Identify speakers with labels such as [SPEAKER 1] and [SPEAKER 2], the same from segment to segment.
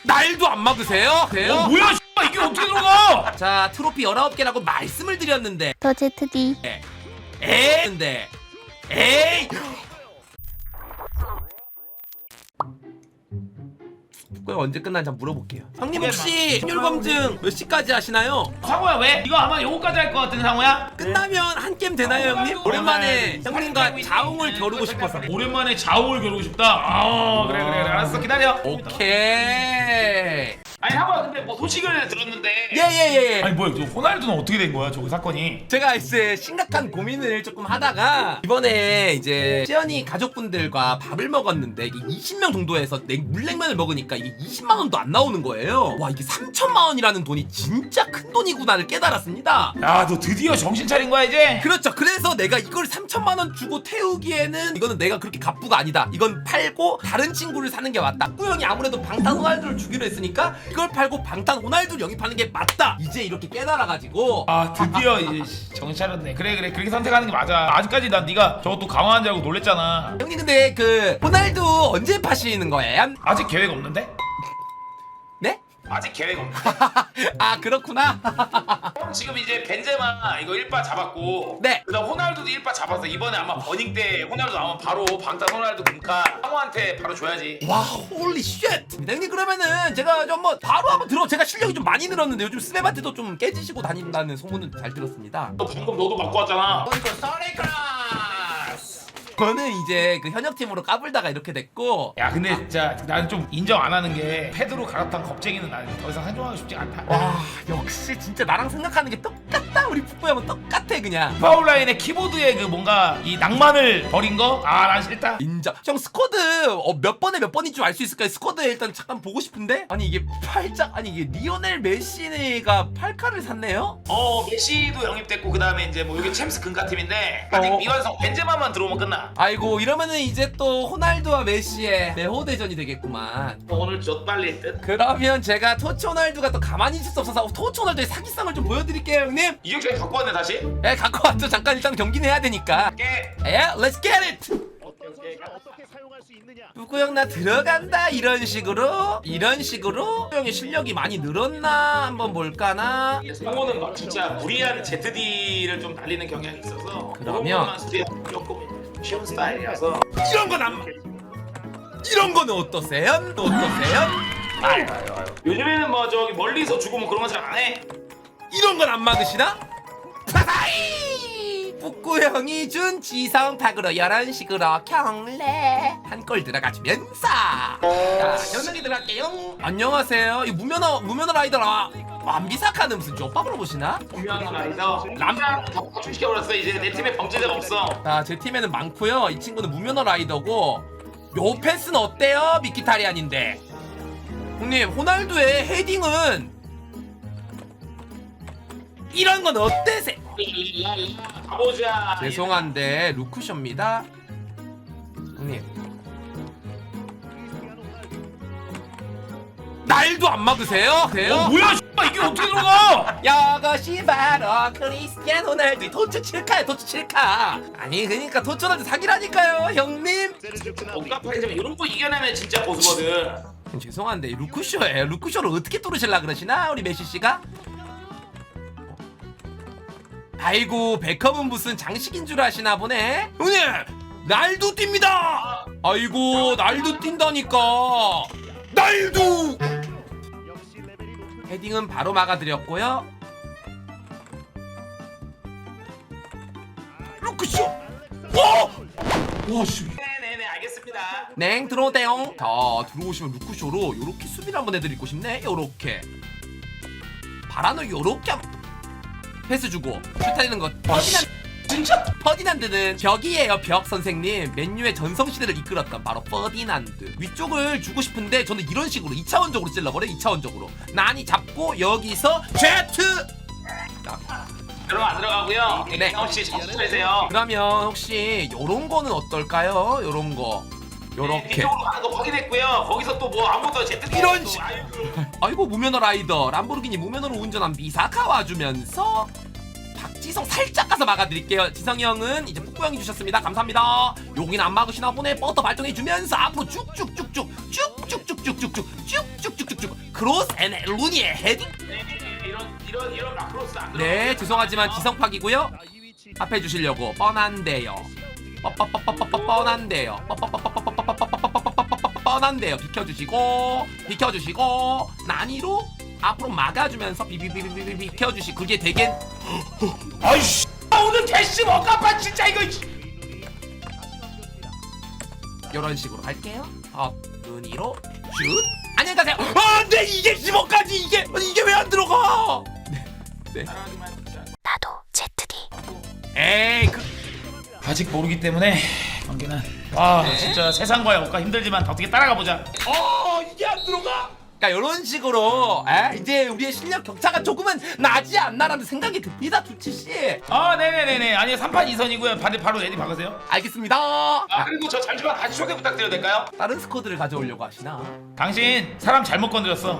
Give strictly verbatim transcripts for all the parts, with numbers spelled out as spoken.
[SPEAKER 1] 날도 안 막으세요? 돼요?
[SPEAKER 2] 어 뭐야 씨발 이게 어떻게 들어가?
[SPEAKER 1] 자 트로피 열아홉 개라고 말씀을 드렸는데
[SPEAKER 3] 더 제트디.
[SPEAKER 1] 에이 근데 에이 그거 언제 끝나는지 한번 물어볼게요. 형님 혹시 확률 검증 몇 시까지 하시나요?
[SPEAKER 2] 상호야 왜? 이거 아마 요거까지 할 것 같은 상호야?
[SPEAKER 1] 끝나면 한 게임 되나요 형님? 오랜만에 형님과 자웅을 겨루고 싶어서.
[SPEAKER 2] 오랜만에 자웅을 겨루고 싶다? 아 그래 그래 그래 알았어 기다려.
[SPEAKER 1] 오케이.
[SPEAKER 2] 아니 상호야 근데 뭐 소식을 들었는데
[SPEAKER 1] 예예예.
[SPEAKER 2] 아니 뭐야 저 호날두는 어떻게 된 거야 저거 사건이?
[SPEAKER 1] 제가 이제 심각한 고민을 조금 하다가 이번에 이제 시연이 가족분들과 밥을 먹었는데 이게 이십 명 정도에서 냉, 물냉면을 먹으니까 이게 이십만 원도 안 나오는 거예요. 와 이게 삼천만 원이라는 돈이 진짜 큰 돈이구나를 깨달았습니다.
[SPEAKER 2] 야 너 드디어 정신 차린 거야 이제?
[SPEAKER 1] 그렇죠. 그래서 내가 이걸 삼천만 원 주고 태우기에는 이거는 내가 그렇게 갑부가 아니다. 이건 팔고 다른 친구를 사는 게 맞다. 꾸영이 아무래도 방탄 호날두를 주기로 했으니까 이걸 팔고 방탄 호날두를 영입하는 게 맞다. 이제 이렇게 깨달아가지고
[SPEAKER 2] 아 드디어 이제 정신 차렸네. 그래 그래 그렇게 선택하는 게 맞아. 아직까지 난 네가 저것도 강화한 줄 알고 놀랬잖아.
[SPEAKER 1] 형님 근데 그 호날두 언제 파시는 거예요?
[SPEAKER 2] 아직 계획 없는데?
[SPEAKER 1] 네?
[SPEAKER 2] 아직 계획 없는데?
[SPEAKER 1] 아 그렇구나.
[SPEAKER 2] 지금 이제 벤제마 이거 일 바 잡았고
[SPEAKER 1] 네.
[SPEAKER 2] 그다음 호날두도 일 바 잡았어. 이번에 아마 버닝 때 호날두 나오면 바로 방탄 호날두 금카 상호한테 바로 줘야지.
[SPEAKER 1] 와 홀리 쉣. 형님 그러면은 제가 좀 뭐 바로 한번 들어. 제가 실력이 좀 많이 늘었는데 요즘 스맵한테도 좀 깨지시고 다닌다는 소문은 잘 들었습니다.
[SPEAKER 2] 너 방금 너도 맞고 왔잖아.
[SPEAKER 1] 저는 이제 그 현역팀으로 까불다가 이렇게 됐고.
[SPEAKER 2] 야 근데 진짜 나는 좀 인정 안 하는 게 패드로 갈아탄 겁쟁이는 나는 더 이상 상종하고 싶지 않다.
[SPEAKER 1] 와 역시 진짜 나랑 생각하는 게 똑같다. 우리 풋보이 형은 똑같아 그냥.
[SPEAKER 2] 파울라인의 키보드에 그 뭔가 이 낭만을 버린 거? 아 난 싫다.
[SPEAKER 1] 인정. 형 스쿼드 어, 몇 번에 몇 번인 줄 알 수 있을까요? 스쿼드 일단 잠깐 보고 싶은데. 아니 이게 팔짝 아니 이게 리오넬 메시가 팔 칸을 샀네요?
[SPEAKER 2] 어 메시도 영입됐고 그 다음에 이제 뭐 이게 챔스 금카팀인데 아직
[SPEAKER 1] 어.
[SPEAKER 2] 미완성 벤제마만 들어오면 끝나.
[SPEAKER 1] 아이고 이러면은 이제 또 호날두와 메시의 매호 대전이 되겠구만.
[SPEAKER 2] 어, 오늘 저 빨리 듯.
[SPEAKER 1] 그러면 제가 토치 호날두가 또 가만히 있을 수 없어서 토치 호날두의 사기성을 좀 보여드릴게요 형님.
[SPEAKER 2] 이정철 갖고 왔네 다시.
[SPEAKER 1] 예 갖고 왔죠. 잠깐 일단 경기는 해야 되니까.
[SPEAKER 2] 깨.
[SPEAKER 1] 예 let's get it. 누구 형 나 들어간다 이런 식으로 이런 식으로 형의 실력이 많이 늘었나 한번 볼까나.
[SPEAKER 2] 상호는 막 진짜 무리한 제트디를 좀 날리는 경향이 있어서
[SPEAKER 1] 그러면
[SPEAKER 2] 조금 쉬운 스타일이라서
[SPEAKER 1] 이런 건 안. 이런 거는 어떠세요? 어떠세요?
[SPEAKER 2] 아유 아유 아유 요즘에는 뭐 저기 멀리서 주고 뭐 그런 거 잘 안 해.
[SPEAKER 1] 이런 건 안 막으시나? 파사이! 북구 형이 준 지성탁으로 이런 식으로 경례 한 골 들어가주면서 자 현석이 들어갈게요. 안녕하세요. 이 무면허 무면허 라이더라. 완비사카는 무슨 족밥 물어보시나?
[SPEAKER 2] 분명한 라이더 람랑 다 파출시켜버렸어. 이제 내 팀에 범죄자가 없어.
[SPEAKER 1] 자 제 팀에는 많고요. 이 친구는 무면허 라이더고 요 패스는 어때요? 미키타리안인데 형님 호날두의 헤딩은 이런 건 어때세?
[SPEAKER 2] 가보자.
[SPEAKER 1] 죄송한데 루크쇼입니다 형님. 날도 안 막으세요? 돼요?
[SPEAKER 2] 어 뭐야 씨발 이게 어떻게 들어가?
[SPEAKER 1] 이것이 바로 크리스티아노 호날두 토츠 칠 카야 토츠 칠 카. 아니 그러니까 토츠 호날두 사기라니까요 형님.
[SPEAKER 2] 억까파이지만 이런 거 이겨내면 진짜 고수거든.
[SPEAKER 1] 죄송한데 루크쇼예요. 루크쇼를 어떻게 뚫으실라 그러시나 우리 메시씨가? 아이고 베컴은 무슨 장식인 줄 아시나 보네. 형님 날도 뜁니다. 아이고 날도 뛴다니까. 날도. 헤딩은 바로 막아드렸고요. 루크쇼. 오! 와씨.
[SPEAKER 2] 네네네 알겠습니다.
[SPEAKER 1] 냉 들어오대용. 자 들어오시면 루크쇼로 요렇게 수비를 한번 해드리고 싶네. 요렇게 바라노 요렇게 한번 패스 주고 슛하는 것. 퍼디난
[SPEAKER 2] 진짜?
[SPEAKER 1] 퍼디난드는 벽이에요. 벽 선생님. 맨유의 전성시대를 이끌었던 바로 퍼디난드. 위쪽을 주고 싶은데 저는 이런 식으로 이 차원적으로 찔러버려. 이 차원적으로 난이 잡고 여기서 제트.
[SPEAKER 2] 그럼 안 들어가고요.
[SPEAKER 1] 네.
[SPEAKER 2] 혹시 정신 차리세요.
[SPEAKER 1] 그러면 혹시 요런 거는 어떨까요? 요런 거 요렇게.
[SPEAKER 2] 뒤쪽으로 가는 거 확인했고요. 거기서 또 뭐 아무것도 제트
[SPEAKER 1] 이런 식. 아이고 무면허 라이더 람보르기니 무면허로 운전한 미사카 와주면서 박지성 살짝 가서 막아드릴게요. 지성이 형은 이제 북구 형이 주셨습니다. 감사합니다. 여긴 안 막으시나 보네. 버터 발동해주면서 앞으로 쭉쭉쭉쭉 쭉쭉쭉쭉쭉쭉 쭉쭉쭉쭉쭉 크로스 앤 루니의 헤딩.
[SPEAKER 2] 네, 이런 이런 이런 마크로스 안 들어.
[SPEAKER 1] 네, 죄송하지만 지성팍이고요. 합해 주시려고 뻔한데요. 뻔한데요. 뻔한데요. 비켜주시고 비켜주시고 난이로 앞으로 막아주면서 비비비비비 비켜주시. 그게 되게
[SPEAKER 2] 아이씨. 오늘 캐시 먹가빠 진짜 이거.
[SPEAKER 1] 이런 식으로 갈게요. 업 눈이로 슛. 안녕히 가세요. 아, 네 이게 십오까지 이게 이게 왜 안 들어가? 네.
[SPEAKER 3] 나도 제트디.
[SPEAKER 1] 에이 그
[SPEAKER 2] 아직 모르기 때문에 관계는 아
[SPEAKER 1] 네.
[SPEAKER 2] 진짜 세상과의 억가 힘들지만 어떻게 따라가 보자.
[SPEAKER 1] 어 이게 안 들어가? 그러니까 이런 식으로 에? 이제 우리의 실력 격차가 조금은 나지 않나라는 생각이 듭니다, 두치 씨.
[SPEAKER 2] 아 네네네네 아니 삼 판 이 선이고요. 바로 바로 레디 박으세요.
[SPEAKER 1] 알겠습니다.
[SPEAKER 2] 아 그리고 저 잠시만 다시 소개 부탁드려도 될까요?
[SPEAKER 1] 다른 스쿼드를 가져오려고 하시나?
[SPEAKER 2] 당신 사람 잘못 건드렸어.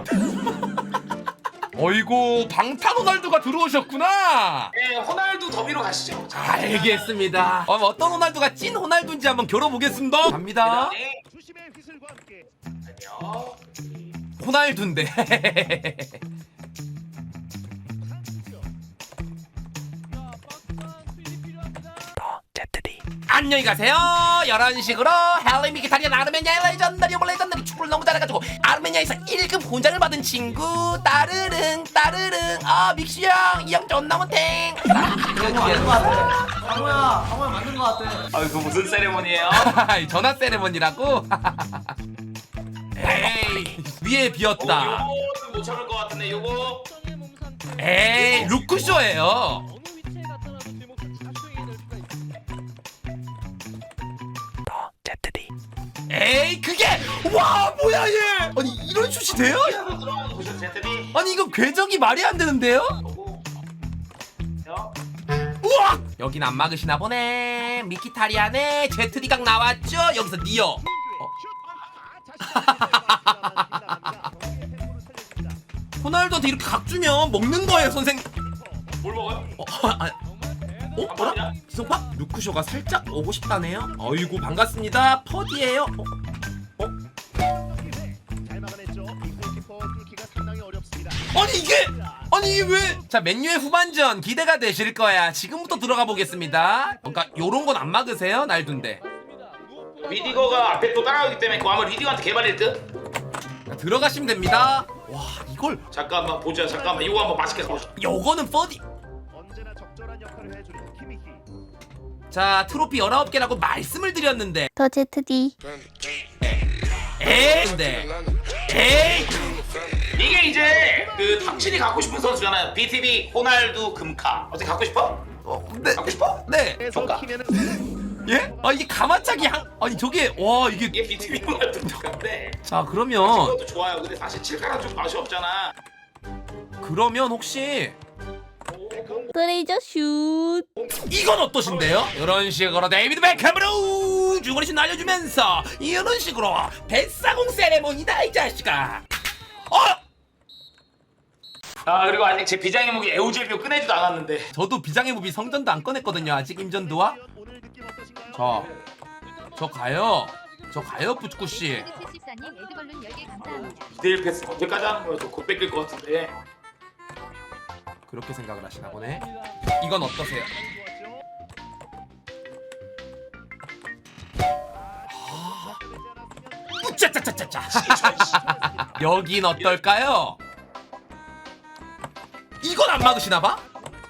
[SPEAKER 1] 어이구 방탄 호날두가 들어오셨구나.
[SPEAKER 2] 네 호날두 더비로 가시죠.
[SPEAKER 1] 알겠습니다. 어, 어떤 호날두가 찐 호날두인지 한번 겨뤄보겠습니다. 갑니다.
[SPEAKER 2] 네. 안녕.
[SPEAKER 1] 호날두인데. 안녕히 가세요. 이런 식으로 헬리 미키타리안 아르메니아의 레전더리 오브 레전더리 축구를 너무 잘해가지고 아르메니아에서 일 급 훈장을 받은 친구 따르릉 따르릉. 아 믹시 형 이 형 존나 못해.
[SPEAKER 4] 강호야, 강호야 맞는 거 같아.
[SPEAKER 2] 아 그 무슨 세레모니예요?
[SPEAKER 1] 전화 세레머니라고. 에이 위에 비었다.
[SPEAKER 2] 요거는 못 참을 것 같은데 요거.
[SPEAKER 1] 에이 루크쇼예요. 에이 그게 와 뭐야 얘. 아니 이런 슛이 돼요?
[SPEAKER 2] 들어가는 보셨죠 제트비?
[SPEAKER 1] 아니 이거 궤적이 말이 안 되는데요?
[SPEAKER 2] 요.
[SPEAKER 1] 우와! 여긴 안 막으시나 보네. 미키타리안의 제트리각 나왔죠? 여기서 니어. 어. 호날두한테 이렇게 각 주면 먹는 거예요, 선생.
[SPEAKER 2] 뭘 먹어요?
[SPEAKER 1] 어, 아, 어, 뭐라? 지성파? 루크쇼가 살짝 오고 싶다네요. 어이구 반갑습니다. 퍼디예요. 어? 어?
[SPEAKER 5] 잘 막아냈죠. 이 골키퍼 뚫기가 상당히 어렵습니다.
[SPEAKER 1] 아니 이게 아니 이게 왜? 자 맨유의 후반전 기대가 되실 거야. 지금부터 들어가 보겠습니다. 그러니까 요런 건 안 막으세요, 날둔데.
[SPEAKER 2] 리디거가 앞에 또 따라가기 때문에 그거 아마 리디거한테 개발일 듯?
[SPEAKER 1] 자, 들어가시면 됩니다. 와 이걸
[SPEAKER 2] 잠깐만 보자 잠깐만 이거 한번 맛있게 가보자.
[SPEAKER 1] 요거는 퍼디.
[SPEAKER 5] 언제나 적절한 역할을 해주는 키미히.
[SPEAKER 1] 자 트로피 열아홉 개라고 말씀을 드렸는데
[SPEAKER 3] 더 제트디.
[SPEAKER 1] 에이 근데 에이
[SPEAKER 2] 이게 이제 그 당신이 갖고 싶은 선수잖아요. 비티비 호날두 금카 어떻게 갖고 싶어?
[SPEAKER 1] 어, 네,
[SPEAKER 2] 갖고 싶어?
[SPEAKER 1] 네.
[SPEAKER 2] 좋다.
[SPEAKER 1] 예? 아 이게 가마차기 한 아니 저게 와 이게
[SPEAKER 2] 이게 비티비 호날두 금카인데
[SPEAKER 1] 자 그러면
[SPEAKER 2] 그것도 좋아요. 근데 사실 칠카랑 좀 맛이 없잖아.
[SPEAKER 1] 그러면 혹시
[SPEAKER 3] 브레이저 슛.
[SPEAKER 1] 이건 어떠신데요? 이런 식으로 데이비드 베컴으로 주거리슛 날려주면서 이런 식으로 뱃사공 세레모니다 이 자식아. 어?
[SPEAKER 2] 아 그리고 아직 제 비장의 무기 에우젤비오 꺼내지도 않았는데.
[SPEAKER 1] 저도 비장의 무비 성전도 안 꺼냈거든요 아직 임전도와.
[SPEAKER 5] 오늘 느낌 어떠신가요?
[SPEAKER 1] 저, 저 가요. 저 가요 부츠쿠씨.
[SPEAKER 6] 칠십사님 에드벌룬 열 개 감사합니다.
[SPEAKER 2] 이 대 일 패스 언제까지 하는 거야? 곧 뺏길 것 같은데.
[SPEAKER 1] 그렇게 생각을 하시나 보네. 이건 어떠세요? 우짜짜짜짜짜. 여긴 어떨까요? 이건 안 막으시나 봐?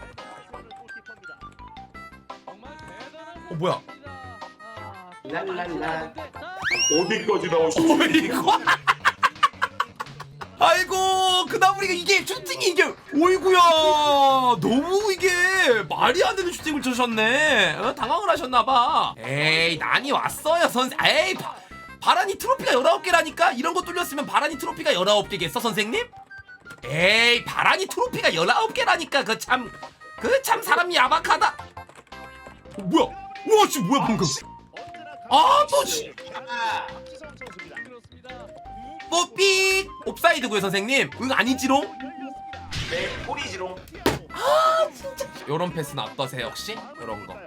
[SPEAKER 1] 어 뭐야?
[SPEAKER 2] 랄랄라. 어디까지 나오시죠?
[SPEAKER 1] 어이구. 아이고 그다음 우리가 이게 슈팅이 이게 어이구야 너무 이게 말이 안 되는 슈팅을 쳐셨네. 어? 당황을 하셨나봐. 에이 난이 왔어요 선생. 에이 바, 바라니 트로피가 열아홉 개라니까. 이런 거 뚫렸으면 바라니 트로피가 열아홉 개겠어 선생님? 에이 바라니 트로피가 열아홉 개라니까. 그 참 그 참 사람 야박하다. 어, 뭐야 우와 씨 뭐야 방금. 아또 씨.
[SPEAKER 2] 아,
[SPEAKER 1] 뽀삐 옵사이드고요 선생님. 응 아니지롱?
[SPEAKER 2] 네, 꼬리지롱.
[SPEAKER 1] 요런 패스는 어떠세요 혹시? 요런 거.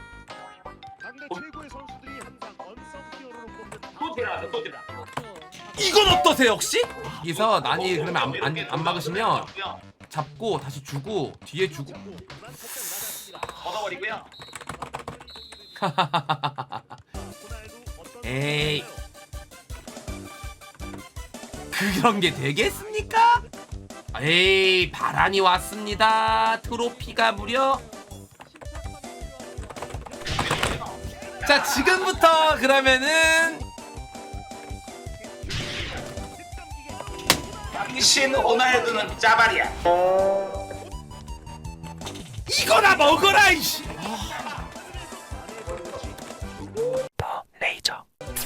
[SPEAKER 5] 당대 최고의 선수들이 항상 언성 히어로로 꼽는
[SPEAKER 2] 또 테라, 또 테라.
[SPEAKER 1] 이건 어떠세요 혹시? 여기서 난이 그러면 안, 안, 안 막으시면 잡고 다시 주고 뒤에 주고
[SPEAKER 2] 걷어버리고요.
[SPEAKER 1] 에이 그런 게 되겠습니까? 에이 바란이 왔습니다. 트로피가 무려 자 지금부터 그러면은
[SPEAKER 2] 당신 호날두는 짜발이야.
[SPEAKER 1] 이거나 먹어라 이씨. 레이저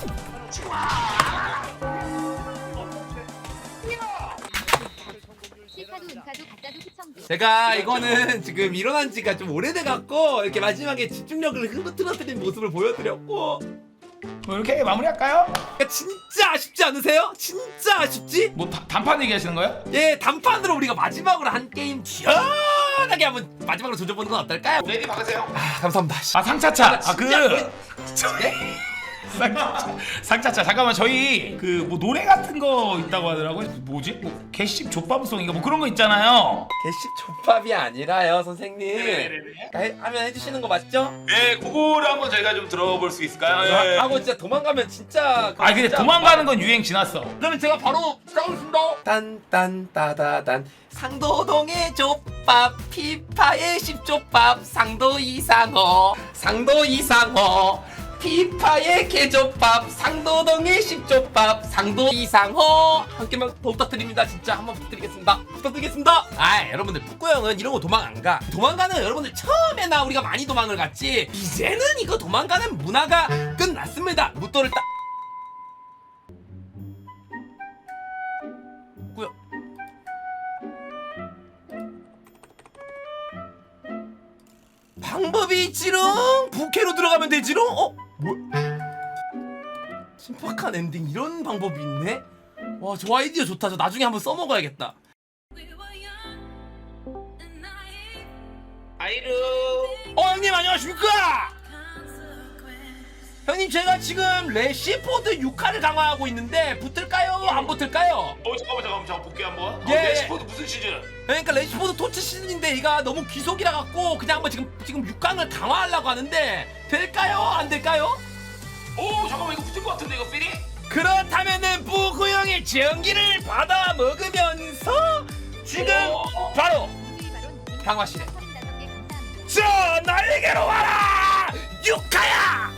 [SPEAKER 6] 시카도 은카도 가짜도 시청도.
[SPEAKER 1] 제가 이거는 지금 일어난 지가 좀 오래돼 갖고 이렇게 마지막에 집중력을 흐트러뜨린 모습을 보여드렸고
[SPEAKER 4] 뭐 이렇게 마무리할까요?
[SPEAKER 1] 그러니까 진짜 아쉽지 않으세요? 진짜 아쉽지?
[SPEAKER 4] 뭐 다, 단판 얘기하시는 거예요?
[SPEAKER 1] 예 단판으로 우리가 마지막으로 한 게임 시원하게 한번 마지막으로 조져보는 건 어떨까요?
[SPEAKER 2] 레디 박으세요.
[SPEAKER 1] 아 감사합니다.
[SPEAKER 4] 아 상차차. 아 그
[SPEAKER 1] 진짜 네?
[SPEAKER 4] 상차차. 상차차. 잠깐만 저희 그 뭐 노래 같은 거 있다고 하더라고요. 뭐지? 뭐 개씹 족밥송인가 뭐 그런 거 있잖아요.
[SPEAKER 1] 개식 족밥이 아니라요 선생님.
[SPEAKER 2] 네네네.
[SPEAKER 1] 해- 하면 해주시는 거 맞죠?
[SPEAKER 2] 네, 그거를 한번 저희가 좀 들어볼 수 있을까요? 예.
[SPEAKER 1] 하고 진짜 도망가면 진짜
[SPEAKER 4] 아 근데
[SPEAKER 1] 진짜
[SPEAKER 4] 도망가는 건 유행 지났어.
[SPEAKER 1] 그러면 제가 바로 싸우겠습니다. 딴딴따다단 상도동의 족밥 피파의 십족밥 상도 이상호 상도 이상호 피파의 개족밥 상도동의 십족밥 상도 이상호 한 개만 더 부탁드립니다. 진짜 한번 부탁드리겠습니다. 부탁드리겠습니다. 아 여러분들 북구 형은 이런 거 도망 안 가. 도망가는 여러분들 처음에나 우리가 많이 도망을 갔지 이제는 이거 도망가는 문화가 끝났습니다. 무도를 딱 뭐야? 방법이 있지롱. 부캐로 들어가면 되지롱. 어? 뭐? 신박한 엔딩 이런 방법이 있네. 와, 저 아이디어 좋다. 저 나중에 한번 써먹어야겠다.
[SPEAKER 2] 아이루.
[SPEAKER 1] 어, 형님 안녕하십니까? 형님 제가 지금 레시포드 육 화를 강화하고 있는데 붙을까요? 안 붙을까요?
[SPEAKER 2] 어 잠깐만 잠깐만 잠깐 볼게 한번.
[SPEAKER 1] 예.
[SPEAKER 2] 어, 레시포드 무슨 시즌?
[SPEAKER 1] 그러니까 레시포드 토치 시즌인데 얘가 너무 귀속이라 갖고 그냥 한번 지금 지금 육 강을 강화하려고 하는데 될까요? 안 될까요?
[SPEAKER 2] 오 잠깐만 이거 붙을 것 같은데 이거 필이?
[SPEAKER 1] 그렇다면은 부구 형의 전기를 받아 먹으면서 지금
[SPEAKER 2] 오.
[SPEAKER 1] 바로
[SPEAKER 6] 바로
[SPEAKER 1] 강화실에
[SPEAKER 6] 서른다섯 개 감사합니다.
[SPEAKER 1] 저 날개로 와라 육화야.